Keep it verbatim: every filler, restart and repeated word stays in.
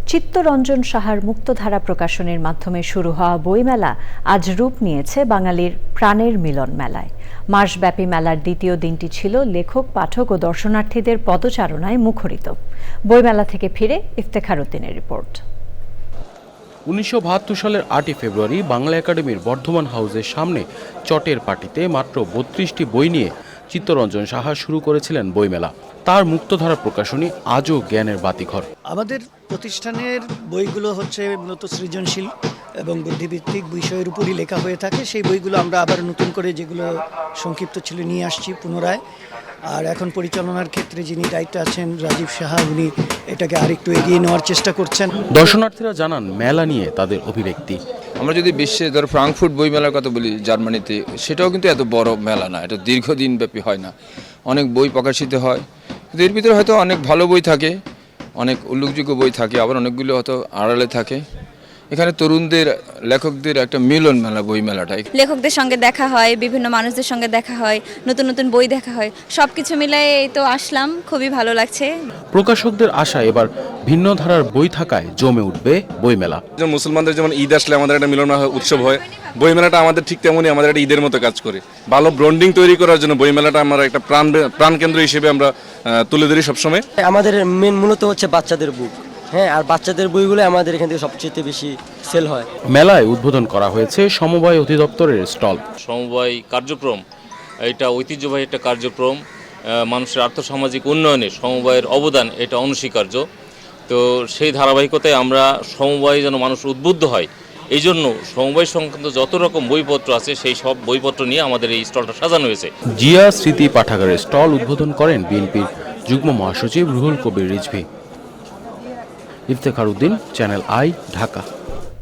চিত্তরঞ্জন সাহার মুক্তধারা প্রকাশনীর মাধ্যমে শুরু হওয়া বইমেলা আজ রূপ নিয়েছে বাঙালির প্রাণের মিলন মেলায়। মাসব্যাপী মেলার দ্বিতীয় দিনটি ছিল লেখক, পাঠক ও দর্শনার্থীদের পদচারণায় মুখরিত। বইমেলা থেকে ফিরে ইফতেখার উদ্দিনের রিপোর্ট। উনিশশো বাহাত্তর সালের আটই ফেব্রুয়ারি বাংলা একাডেমির বর্ধমান হাউসের সামনে চটের পাটিতে মাত্র বত্রিশটি বই নিয়ে চিত্তরঞ্জন সাহা শুরু করেছিলেন বইমেলা। তার মুক্তধারা প্রকাশনী আজও জ্ঞানের বাতিঘর। আমাদের প্রতিষ্ঠানের বইগুলো হচ্ছে মূলত সৃজনশীল এবং বুদ্ধিভিত্তিক বিষয়ের উপরই লেখা হয়ে থাকে। সেই বইগুলো আমরা আবার নতুন করে যেগুলো সংক্ষিপ্ত ছিল নিয়ে আসছি পুনরায়। আর এখন পরিচালনার ক্ষেত্রে যিনি দায়িত্বে আছেন রাজীব সাহা, উনি এটাকে আরেকটু এগিয়ে নেওয়ার চেষ্টা করছেন। দর্শনার্থীরা জানান মেলা নিয়ে তাদের অভিব্যক্তি। আমরা যদি বিশ্বে ধর ফ্রাঙ্কফুর্ট বই মেলার কথা বলি জার্মানিতে, সেটাও কিন্তু এত বড় মেলা না, এটা দীর্ঘদিন ব্যাপী হয় না। অনেক বই প্রকাশিত হয়, কিন্তু এর ভিতরে হয়তো অনেক ভালো বই থাকে, অনেক উল্লেখযোগ্য বই থাকে, আবার অনেকগুলো হয়তো আড়ালে থাকে। এখানে তরুণদের, লেখকদের একটা মিলন মেলা বই মেলাটাই। লেখকদের সঙ্গে দেখা হয়, বিভিন্ন মানুষদের সঙ্গে দেখা হয়, নতুন নতুন বই দেখা হয়, সব কিছু মিলাই এই তো আসলাম, খুবই ভালো লাগছে। প্রকাশকদের আশা এবার ভিন্ন ধারার বই থাকায় জমে উঠবে বইমেলা। মুসলমানদের যেমন ঈদ আসলে আমাদের একটা মিলন উৎসব হয়, বইমেলাটা আমাদের ঠিক তেমনই আমাদের একটা ঈদের মতো কাজ করে। ভালো ব্র্যান্ডিং তৈরি করার জন্য বইমেলাটা আমরা একটা প্রাণ প্রাণকেন্দ্র হিসেবে আমরা তুলে ধরি সবসময়। আমাদের মেন মূলত হচ্ছে বাচ্চাদের বুক, হ্যাঁ, আর বাচ্চাদের বইগুলো আমাদের এখান থেকে সবচেয়ে বেশি সেল হয়। মেলায় উদ্বোধন করা হয়েছে সমবায় অধিদপ্তরের স্টল। সমবায় কার্যক্রম এটা ঐতিহ্যবাহী একটা কার্যক্রম, মানুষের আর্থসামাজিক উন্নয়নে সমবায়ের অবদান এটা অনস্বীকার্য। তো সেই ধারাবাহিকতায় আমরা সমবায় যেন মানুষ উদ্বুদ্ধ হয়, এই জন্য সমবায় সংক্রান্ত যত রকম বইপত্র আছে সেই সব বইপত্র নিয়ে আমাদের এই স্টলটা সাজানো হয়েছে। জিয়া স্মৃতি পাঠাগারের স্টল উদ্বোধন করেন বিএনপির যুগ্ম মহাসচিব রুহুল কবির রিজভী। ইফতেখার উদ্দিন, চ্যানেল আই, ঢাকা।